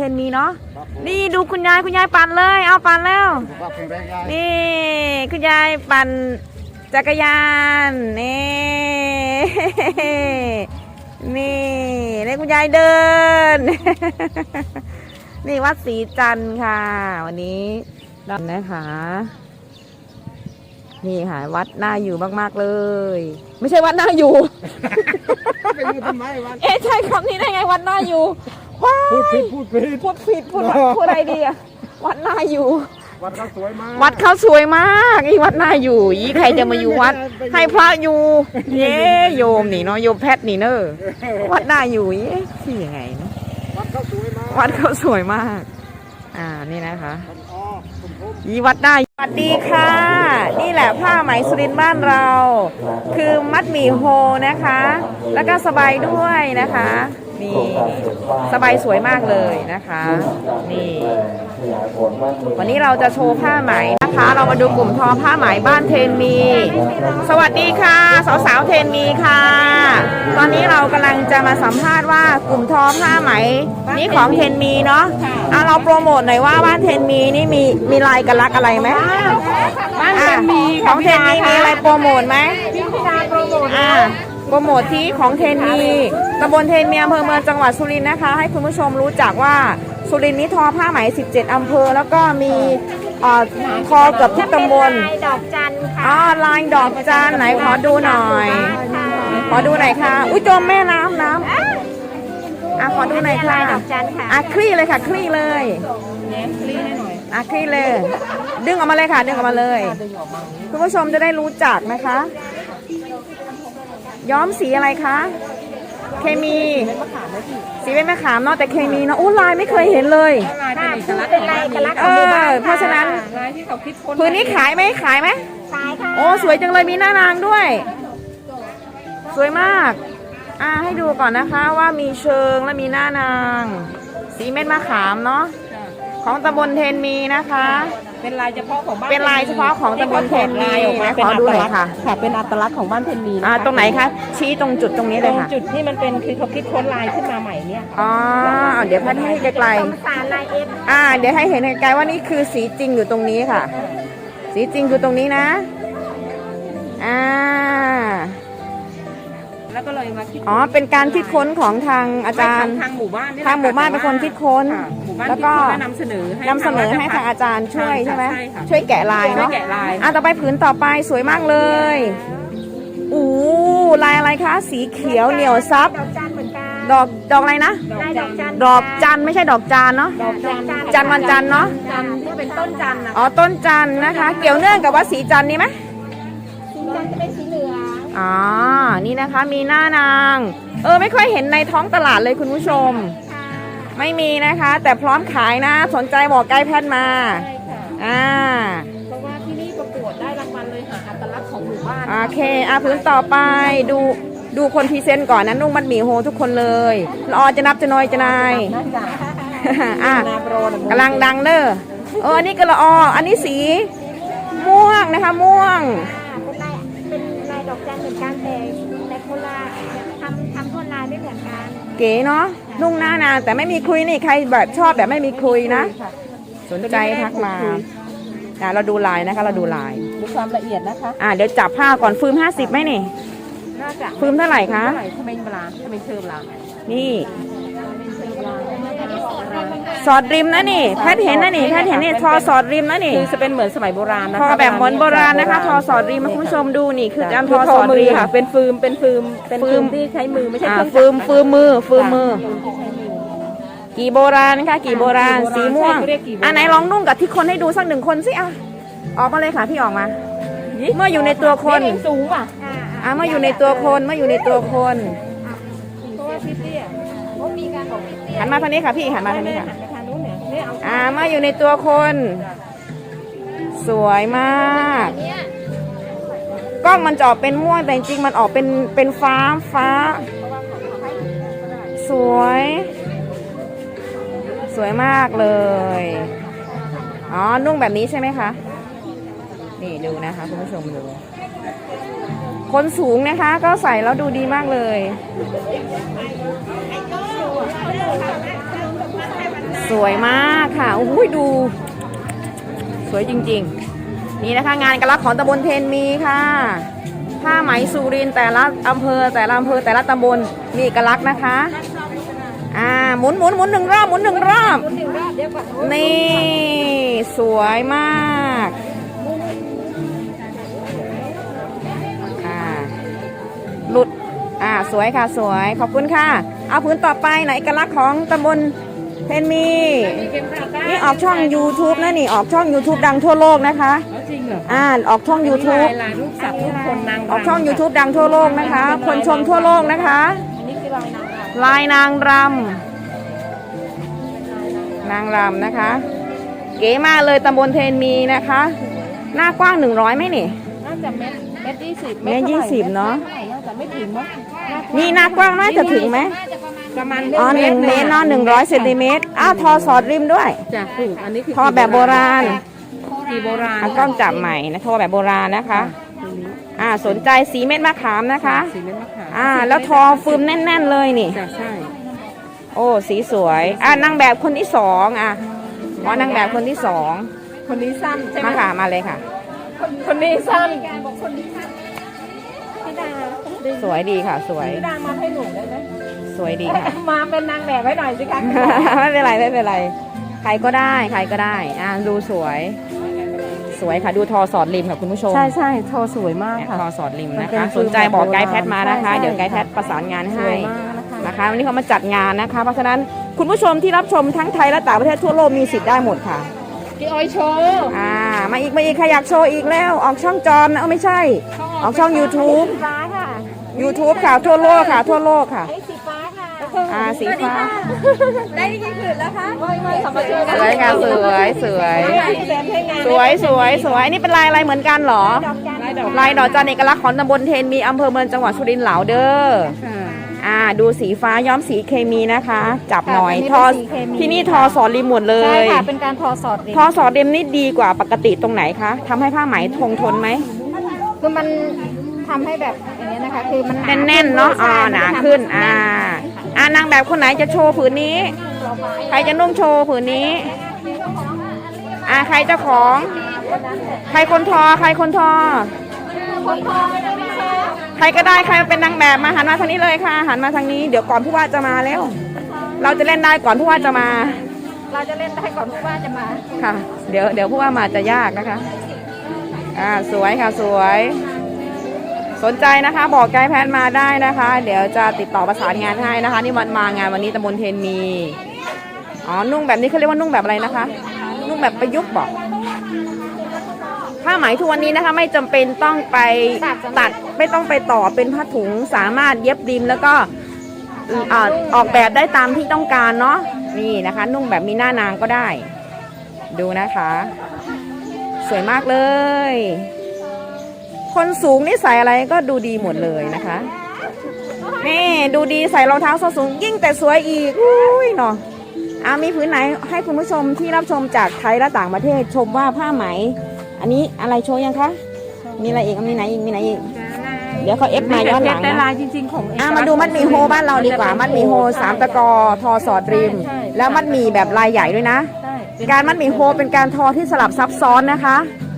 นมีเนาะนี่ดูคุณยายปั่นเลยเอาปั่นแล้วนี่คุณยายปั่นจักรยานนี่คุณยายเดิน นี่วัดศรีจันทร์ค่ะวันนี้นะคะนี่ค่ะวัดน่าอยู่มากๆเลยไม่ใช่วัดน่าอยู่ไปอยู่ทำไมวัดใช่คำนี้ได้ไงวัดน่าอยู่พูดผิดพูดอะไรดีอะวัดน่าอยู่วัดเขาสวยมากวัดเขาสวยมากอีวัดน่าอยู่ยี่ใครจะมาอยู่วัดให้พระอยู่เย้โยมนี่เนาะโยมแพทย์นี่เนอะวัดน่าอยู่ที่ยังไงเนาะวัดเขาสวยมากวัดเขาสวยมากนี่นะคะยี่วัดได้สวัสดีค่ะนี่แหละผ้าไหมสุรินทร์บ้านเราคือมัดหมี่โฮนะคะแล้วก็สบายด้วยนะคะนี่สบายสวยมากเลยนะคะนี่วันนี้เราจะโชว์ผ้าไหมนะคะเรามาดูกลุ่มทอผ้าไหมบ้านเทนมีสวัสดีค่ะสาวๆเทนมีค่ะตอนนี้เรากำลังจะมาสัมภาษณ์ว่ากลุ่มทอผ้าไหมนี่ของเทนมีเนาะเราโปรโมทหน่อยว่าบ้านเทนมีนี่มีลายกระลักอะไรไหมบ้านเทนมีของเทนมีมีอะไรโปรโมทไหมพี่พิดาโปรโมทโปรโมทที่ของเทนมีตำบลเทนมีอำเภอเมืองจังหวัดสุรินทร์นะคะให้คุณผู้ชมรู้จักว่าสุรินทร์นี้ทอผ้าไหม17อำเภอแล้วก็มีทอเกือบทุกตำบลลายดอกจันค่ะลายดอกจันไหนขอดูหน่อยขอดูหน่อยค่ะอุ้ยจมแม่น้ำขอดูหน่อยค่ะดอกจันค่ะคลี่เลยค่ะคลี่เลยคลี่ให้หน่อยคลี่เลยดึงออกมาเลยค่ะดึงออกมาเลยคุณผู้ชมจะได้รู้จักนะคะย้อมสีอะไรคะเคมีสีเป็นมะขามเนาะแต่เคมีเนาะลายไม่เคยเห็นเลยลายเป็นลายเอกลักษณ์เพราะฉะนั้นลายที่เขาคิดค้นพื้นนี้ขายไหมขายค่ะสวยจังเลยมีหน้านางด้วยสวยมากให้ดูก่อนนะคะว่ามีเชิงและมีหน้านางสีเม็ดมะขามเนาะของตำบลเทนมีนะคะเป็นลายเฉพาะของบ้านเป็นลายเฉพาะของตำบลเทนมีขอดูหน่อยค่ะเป็นอัตลักษณ์ของบ้านเทนมีตรงไหนคะชี้ตรงจุดตรงนี้เลยค่ะจุดที่มันเป็นคือเขาคิดค้นลายขึ้นมาใหม่เนี่ยเดี๋ยวพัดให้ไกลๆเดี๋ยวให้เห็นไกลๆว่านี่คือสีจริงอยู่ตรงนี้ค่ะสีจริงคือตรงนี้นะแล้วก็เลยมาคิดเป็นการคิดค้นของทางอาจารย์ทางหมู่บ้านเป็นคนคิดค้นแล้วก็นำเสนอให้ทางอาจารย์ช่วยใช่ไหมช่วยแกะลายเนาะต่อไปผืนต่อไปสวยมากเลยลายอะไรคะสีเขียวเหนียวซับดอกอะไรนะดอกจันไม่ใช่ดอกจานเนาะจันวันจันเนาะจันที่เป็นต้นจันต้นจันนะคะเกี่ยวเนื่องกับว่าสีจันนี่ไหมสีจันจะเป็นสีเหลืองนี่นะคะมีหน้านางไม่ค่อยเห็นในท้องตลาดเลยคุณผู้ชมไม่มีนะคะแต่พร้อมขายนะสนใจบอกไกด์แพทมาเพราะว่าที่นี่ประกวดได้รางวัลเลยหาอัตลักษณ์ของหมู่บ้านโอเคพื้นต่อไปดูคนพรีเซนต์ก่อนนะนุ่งมัดหมี่โฮทุกคนเลยจะนับจะน้อยจะนายกำลังดังเด้ออันนี้ก็อันนี้สีม่วงนะคะม่วงเป็นลายดอกจันเหมือนกันแต่คนละทำคนลายไม่เหมือนกันเก๋เนาะนุ่งหน้านางแต่ไม่มีคุยนี่ใครแบบชอบแบบไม่มีคุยนะสนใจทักมาเราดูลายนะคะเราดูลายดูความละเอียดนะคะเดี๋ยวจับผ้าก่อนฟืม50ไหมนี่ฟืมเท่าไหร่คะทำไมเชิมล่ะนี่สอดริมนะนี่แพทเห็นนะนี่แพทเห็นนี่ทอสอดริมนะนี่คือจะเป็นเหมือนสมัยโบราณนะทอแบบเหมือนโบราณนะคะทอสอดริมคุณผู้ชมดูนี่คือการทอสอดริมค่ะเป็นฟืมที่ใช้มือไม่ใช่ฟืมมือกี่โบราณนะคะกี่โบราณสีม่วงไหนลองนุ่งกับที่คนให้ดูสัก1 คนสิออกมาเลยค่ะพี่ออกมาเมื่ออยู่ในตัวคนสูงเมื่ออยู่ในตัวคนเพราะว่าพี่เตี้ยมีการบอกพี่เตี้ยหันมาทางนี้ค่ะพี่หันมาทางนี้ค่ะเมื่ออยู่ในตัวคนสวยมากกล้องมันจะออกเป็นม่วงแต่จริงมันออกเป็นฟ้าสวยมากเลยนุ่งแบบนี้ใช่ไหมคะนี่ดูนะคะคุณผู้ชมดูคนสูงนะคะก็ใส่แล้วดูดีมากเลยสสวยมากค่ะโอ้โหดู สวยจริงๆ นี่นะคะงานเอกลักษณ์ของตำบลเทนมีค่ะผ้าไหมสุรินทร์แต่ละอำเภอแต่ละตำบลมีเอกลักษณ์นะคะหมุนหนึ่งรอบหมุนหนึ่งรอบนี่สวยมากหลุดสวยค่ะสวยขอบคุณค่ะเอาพื้นต่อไปไหนเอกลักษณ์ของตำบลเทนมีนี่ออกช่อง YouTube นะนี่ออกช่อง YouTube ดังทั่วโลกนะคะจริงเหรอออกช่อง YouTube ลายรูปสัตว์รูปคนนางออกช่อง YouTube ดังทั่วโลกนะคะ คนชมทั่วโลกนะคะอันนี้คือลายนางรำลายนางรำนะคะ เก๋มากเลยตำบลเทนมีนะคะ หน้ากว้าง100ไหมนี่น่าจะเม็ด20 เมตร20เนาะน่าจะไม่ถึงมั้งนี่หน้ากว้างน่าจะถึงไหมประมาณอ๋อ1 เมตรเนาะ100 เซนติเมตรทอสอดริมด้วยจะถูกอันนี้คือทอแบบโบราณทีโบราณกล้องจับใหม่นะทอแบบโบราณนะคะสนใจสีเม็ดมะขามนะคะสีเม็ดมะขามแล้วทอฟืมแน่นๆเลยนี่จะใช่โอ้สีสวยนางแบบคนที่2นางแบบคนที่2 คนนี้สั้นใช่ไหมมาค่ะมาเลยค่ะคนนี้สั้นพี่ดาสวยดีค่ะ สวยพี่ดามาให้หนูได้ไหมสวยดีค่ะมาเป็นนางแบบไว้หน่อยสิคะไม่เป็นไรไม่เป็นไรใครก็ได้ใครก็ได้ดูสวยค่ะดูทอสอดริมค่ะคุณผู้ชมใช่โชว์สวยมากค่ะทอสอดริมมันนะเป็นคะฟิสลนใจบอกไกด์แบบโบราณแพทมานะคะใช่เดี๋ยวไกด์แพทประสานงานสให้วยมากนะคะวันนี้เขามาจัดงานนะคะ เพราะฉะนั้นคุณผู้ชมที่รับชมทั้งไทยและต่างประเทศทั่วโลกมีสิทธิ์ได้หมดค่ะพี่อ้อยโชว์มาอีกใครอยากโชว์อีกแล้วออกช่องจอมนะไม่ใช่ออกช่อง YouTube สีฟ้าค่ะ YouTube ค่ะทั่วโลกค่ะทั่วโลกค่ะไอ้สีฟ้าค่ะสีฟ้าได้กี่ผืนแล้วคะไม่เขามาช่วยกันสวยค่ะสวยสวยนี่เป็นลายอะไรเหมือนกันเหรอดอกจันทร์ลายดอกจันเอกลักษณ์ของตำบลเทนมีอำเภอเมืองจังหวัดสุรินทร์เหลาเด้อดูสีฟ้าย้อมสีเคมีนะคะ จับหน่อยทอที่นี่ทอสอดริมหมดเลใช่ยค่ะเป็นการทอสอดริมทอสอดริมนี่ดีกว่าปกติตรงไหนคะทำให้ผ้าไหมทนไหมคือมันทำให้แบบอย่างนี้ยนะคะ คือมันแน่นๆเนาะหนาขึ้นนางแบบคนไหนจะโชว์ผืนนี้ ใครจะนุ่งโชว์ผืนนี้ใครเจ้าของใครคนทอใครคนทอใครก็ได้ใครเป็นนางแบบมาหันมาทางนี้เลยค่ะหันมาทางนี้เดี๋ยวก่อนผู้ว่าจะมาแล้วเราจะเล่นได้ก่อนผู้ว่าจะมาเราจะเล่นได้ก่อนผู้ว่าจะมาค่ะ เดี๋ยวผู้ว่ามาจะยากนะคะสวยค่ะสวยสนใจนะคะบอกไกด์แพทมาได้นะคะ เดี๋ยวจะติดต่อประสานงานให้นะคะนี่มางานวันนี้ตำบลเทนมีนุ่งแบบนี้เขาเรียกว่านุ่งแบบอะไรนะคะนุ่งแบบประยุกต์บอกผ้าไหมทุกวันนี้นะคะไม่จำเป็นต้องไปตัดไม่ต้องไปต่อเป็นผ้าถุงสามารถเย็บริมแล้วก็ออกแบบได้ตามที่ต้องการเนาะนี่นะคะ นุ่งแบบมีหน้านางก็ได้ดูนะคะ สวยมากเลยคนสูงนี่ใส่อะไรก็ดูดีหมดเลยนะคะนี่ดูดีใส่รองเท้าส้นสูงยิ่งแต่สวยอีกอุ้ยเนาะมีผืนไหนให้คุณผู้ชมที่รับชมจากไทยและต่างประเทศชมว่าผ้าไหมอันนี้อะไรโชว์ยังคะมีอะไรอีกมีไหนอีกเดี๋ยวเขาเอฟมาย้อนหลังแต่นะลายจริงๆของเอกมาดูมัดหมี่โฮบ้านเราดีกว่ามัดหมี่โฮ3 ตะกอทอสอดริมแล้วมัดหมี่แบบลายใหญ่ด้วยนะใช่การมัดหมี่โฮเป็นการทอที่สลับซับซ้อนนะคะ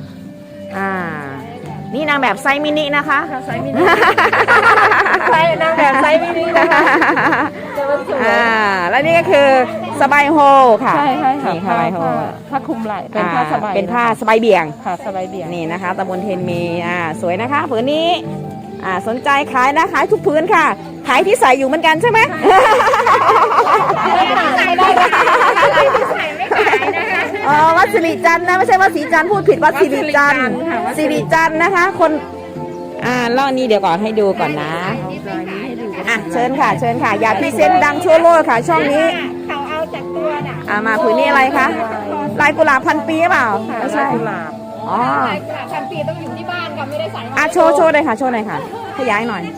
นี่นางแบบไซส์มินินะคะไซส์มินิใช่นางแบบไซส์มินินะคะจะเป็นสวยแล้วนี่ก็คือสบายโฮค่ะใช่ค่ะนี่สบายโฮผ้าคลุมไหล่เป็นผ้าสบายเป็นผ้าสบายเบี่ยงค่ะสบายเบี่ยงนี่นะคะตำบลเทนมีสวยนะคะผืนนี้สนใจขายนะขายทุกผืนค่ะขายที่ใส่อยู่เหมือนกันใช่ไหมไม่ขายได้ค่ะไม่ขายนะคะวัดสิริจันทร์นะไม่ใช่วัดศรีจันทร์พูดผิดวัดสิริจันทร์สิริจันทร์นะคะคนล่อนี้เดี๋ยวก่อนให้ดูก่อนนะเชิญค่ะอย่าพรีเซนต์ดังชั่วโลกค่ะช่องนี้เขาเอาจากตัวน่ะมาผืนนี้อะไรคะลายกุหลาบพันปีเปล่าไม่ใช่กุหลาบอ๋อลายกุหลาบพันปีต้องอยู่ที่บ้านค่ะไม่ได้ใส่โชว์เลยค่ะโชว์หน่อยค่ะขยายหน่อย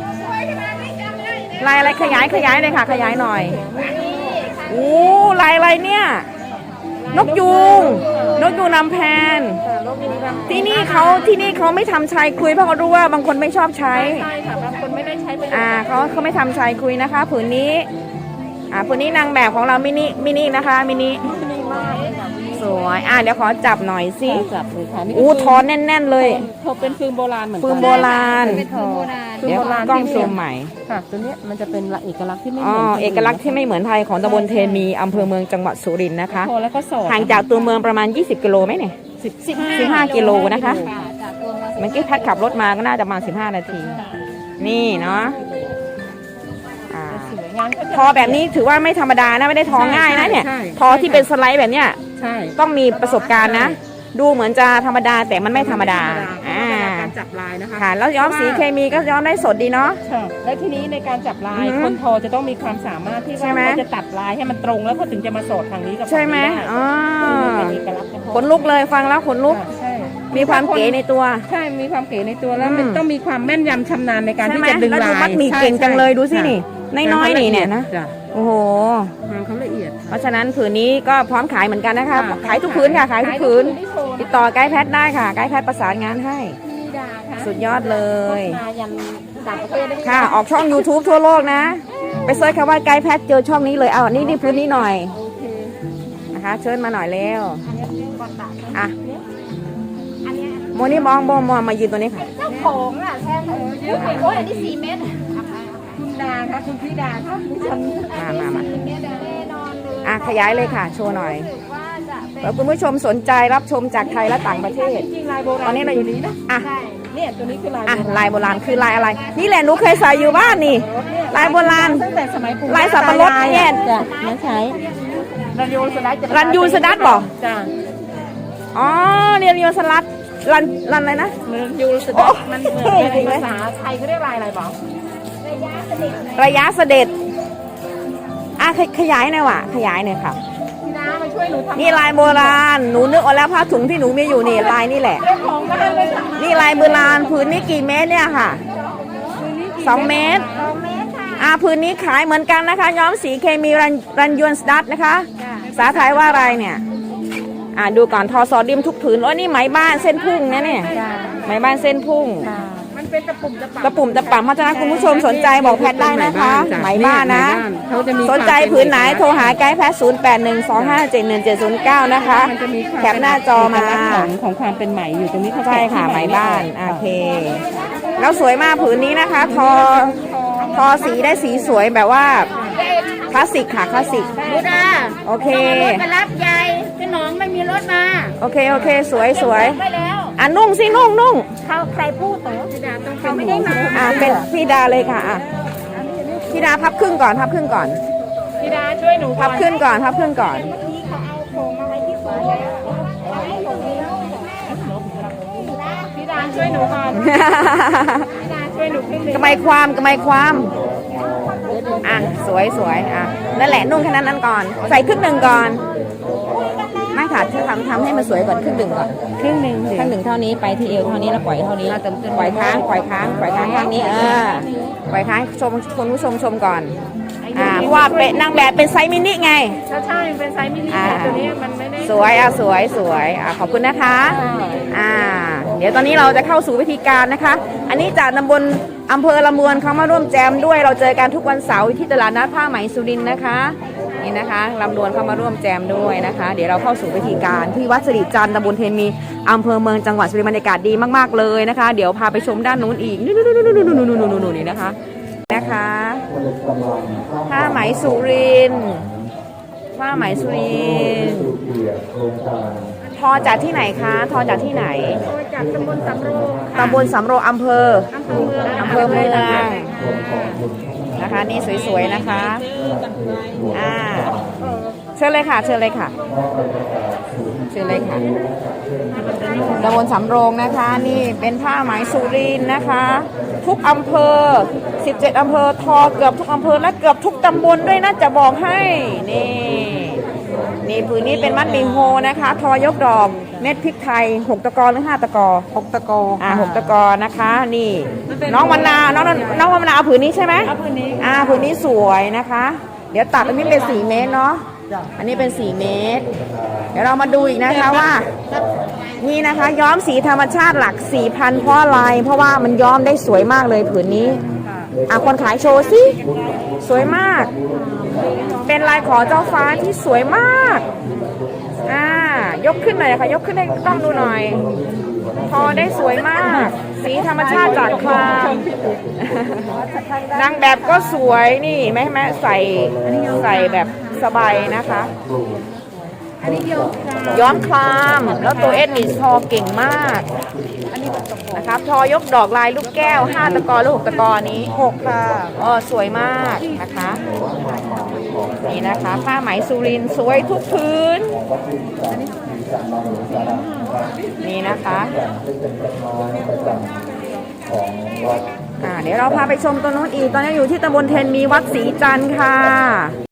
ลายอะไรขยายเลยค่ะขยายหน่อยลายอะไรเนี่ยนกยูงนำแพนที่นี่เขาไม่ทำชายคุยเพราะเขารู้ว่าบางคนไม่ชอบใช้ใช่ค่ะบางคนไม่ได้ใช้ประโยชน์เขาไม่ทำชายคุยนะคะผืนนี้ผืนนี้นางแบบของเรามินินะคะมินิสวยเดี๋ยวขอจับหน่อยสิจับเลยค่ะนี่ทอแน่นๆเลยเขาเป็นฟืนโบราณเหมือนกัฟืนโบราณเป็นฟืนโบราณเดี๋ยวกล้องซูมใหม่ค่ะตัวเนี้ยมันจะเป็นเอกลักษณ์ที่ไม่เหอ๋อมือนเอกลักษณ์ที่ไม่เหมือนไทยของตำบลเทมีอำเภอเมืองจังหวัดสุรินทร์นะคะโทรแล้วก็สอดห่างจากตัวเมืองประมาณ20กิโลไหมเนี่ย15กิโลนะคะจากตัวมาเมื่อกี้แพทขับรถมาก็น่าจะประมาณ15นาทีนี่เนาะทอแบบนี้ถือว่าไม่ธรรมดานะไม่ได้ทอง่ายนะเนี่ยทอที่เป็นสไลด์แบบเนี้ยใช่ต้องมีประสบการณ์นะ ดูเหมือนจะธรรมดาแต่มันไม่ธรรมดาการจับลายนะคะค่ะแล้วย้อมสีเคมีก็ย้อมได้สดดีเนาะค่ะและทีนี้ในการจับลายคนทอจะต้องมีความสามารถที่ใช่ว่าไหมเขาจะตัดลายให้มันตรงแล้วเขาถึงจะมาสอดทางนี้กับใช่ไหมฝั่งนี้อ๋อได้เป็นเอกลักษณ์เฉพาะขนลุกเลยฟังแล้วขนลุกค่ะใช่มีความเก๋ในตัวใช่มีความเก๋ในตัวแล้วมันต้องมีความแม่นยำชำนาญในการใช่ที่ไหมจะดึงแล้วลาดูยมัดหมี่เก่งจังเลยดูสินี่น้อยๆนี่เนี่ยนะจ้ะโอ้โหงานเขาละเอียดเพราะฉะนั้นผืนนี้ก็พร้อมขายเหมือนกันนะคะค่ะขายทุกผืนค่ะขายทุกผืนที่โชว์ติดต่อไกด์แพทได้ค่ะไกด์แพทประสานงานให้พี่ดาค่ะสุดยอดเลยมายันต่างประเทศได้ไหมค่ะออกช่อง YouTube ทั่วโลกนะ ไปเซิร์ชคำว่าไกด์แพทเจอช่องนี้เลยเอานี่พื้นนี้หน่อยโอเคนะคะ เชิญมาหน่อยเร็วอันนี้ก่อนตัดอ่ะอันนี้โมนี่มองมายืนตัวนี้ค่ะเจ้าของแทนเยอะโอ้ยอันนี้4 เมตรคุณดาค่ะคุณพี่ดาค่ะดิฉันมา 4 เมตรแน่นอนเลยขยายเลยค่ะ โชว์หน่อยรู้สึกว่าจะเป็นแล้วคุณผู้ชมสนใจรับชมจากไทยและต่างประเทศจริงๆลายโบราณตอนนี้เราอยู่นี้นะอ่ะใช่เนี่ยตัวนี้คือลายลายโบราณคือลายอะไร นี่แหละหนูเคยใส่อยู่บ้านนี่ ลายโบราณตั้งแต่สมัยปู่ลายสับปะรดเนี่ยจ้ะนั่นใช้รันยูสไลด์รันยูสดัดบอกจ้ะอ๋อเรียนยูสลัดรันอะไรนะรันยูสไลด์มันเหมือนเป็นภาษาไทยเขาเรียกลายอะไรบอกระยะเสด็จขยายหน่อยว่ะขยายหน่อยค่ะพี่ดามาช่วยหนูทำนี่ลายโบราณหนูนึกออกแล้วผ้าถุงที่หนูมีอยู่นี่ลายนี่แหละเจ้าของก็ได้เลยค่ะนี่ลายโบราณผืนนี้กี่เมตรเนี่ยค่ะ2 เมตร 2 เมตรค่ะผืนนี้ขายเหมือนกันนะคะ ย้อมสีเคมีรันยวนสดัดนะคะภาษาไทยว่าอะไรเนี่ยดูก่อนทอซอดิมทุกผืนโอ้ยนี่ไหมบ้านเส้นพุ่งนะเนี่ยไหมบ้านเส้นพุ่งมันเป็นตะปุ่มตะปับตะปุ่มตะป่ำเพราะฉะนั้นคุณผู้ชมสนใจบอกแพทย์ได้นะคะไหมบ้านนะเขาจะมีสนใจผืนไหนโทรหาไกด์แพทย์0812571709นะคะมันจะมีความแคปหน้าจอมาเอกลักษณ์ของความเป็นไหมอยู่ตรงนี้เขาใช่ค่ะไหมบ้านโอเค แล้วสวยมากผืนนี้นะคะ ทอสีได้สีสวยแบบว่าคลาสสิกค่ะคลาสสิกบูดาโอเครถไปรับยายพี่น้องไม่มีรถมาโอเคสวยไปแล้วนุ่งสินุ่งเขาใครพูดเหรอพี่ดาต้องเขาไม่ได้มาเป็นพี่ดาเลยค่ะพี่ดาพับครึ่งก่อนพี่ดาช่วยหนูพับครึ่งก่อนเมื่อกี้เขาเอาโครงมาไว้ที่สวนเอาให้หลงแล้วพี่ดาช่วยหนูก่อนพี่ดาช่วยหนูขึ้นหนึ่งกระไมความสวยนั่นแหละนุ่งแค่นั้นก่อน ใส่ครึ่งหนึ่งก่อนไม่ค่ะทำให้มันสวยก่อนครึ่งหนึ่งก่อนครึ่งหนึ่งข้างหนึ่งเท่านี้ไปที่เอวเท่านี้แล้วปล่อยเท่านี้ปล่อยค้างข้างนี้ปล่อยค้างชมคุณผู้ชมชมก่อนเพราะว่าเป็นนางแบบเป็นไซส์มินิไงใช่เป็นไซส์มินิตัวนี้มันไม่ได้สวยขอบคุณนะคะเดี๋ยวตอนนี้เราจะเข้าสู่วิธีการนะคะ อันนี้จากตำบลอำเภอละมวนเขามาร่วมแจมด้วยเราเจอกันทุกวันเสาร์ที่ตลาดนัดผ้าไหมสุรินทร์นะคะนี่นะคะลำดวนเข้ามาร่วมแจมด้วยนะคะ เดี๋ยวเราเข้าสู่วิธีการที่วัดสิริจันทร์ตำบลเทนมีอำเภอเมืองจังหวัดสุรินทร์บรรยากาศดีมากๆเลยนะคะ เดี๋ยวพาไปชมด้านนู้นอีกนู่นนี่นะคะผ้าไหมสุรินทร์ทอจากที่ไหนคะทอจากที่ไหนจากตำบลสำโรงตำบลสำโรงอำเภออำเภอเมืองนะคะนี่สวยๆนะคะเชิญเลยค่ะตำบลสำโรงนะคะนี่เป็นผ้าไหมสุรินทร์นะคะ ทุกอำเภอ17อำเภอทอเกือบทุกอำเภอและเกือบทุกตำบลด้วยนะจะบอกให้นี่ผืนนี้เป็นมัดหมี่โฮนะคะทอยกดอกเม็ดพริกไทย6 ตะกอหรือ5 ตะกอ6 ตะกอ6 ตะกอนะคะนี่น้องมะนาวน้องมะนาวเอาผืนนี้ใช่ไหมผืนนี้สวยนะคะ เดี๋ยวตัดอันนี้เป็น4 เมตรเนาะอันนี้เป็น4 เมตรเดี๋ยวเรามาดูอีกนะคะว่านี่นะคะย้อมสีธรรมชาติหลัก 4,000 เพราะอะไรเพราะว่ามันย้อมได้สวยมากเลยผืนนี้คนขายโชว์สิ สวยมาก เป็นลายขอเจ้าฟ้าที่สวยมาก ยกขึ้นหน่อยค่ะ ยกขึ้นให้กล้องดูหน่อย ทอได้สวยมาก สีธรรมชาติจากครามนางแบบก็สวยนี่แม่ใส่แบบสบายนะคะอันนี้ย้อมคลามแล้วตัวเอ็ดนี่ทอเก่งมากนะครับทอยกดอกลายลูกแก้ว5 ตะกอหรือ6 ตะกอนี้6ค่ะสวยมากนะคะนี่นะคะผ้าไหมสุรินทร์สวยทุกพื้นนี่นะคะเดี๋ยวเราพาไปชมตัวนู้นอีกตอนนี้อยู่ที่ตำบลเทนมีวัดศรีจันทร์ค่ะ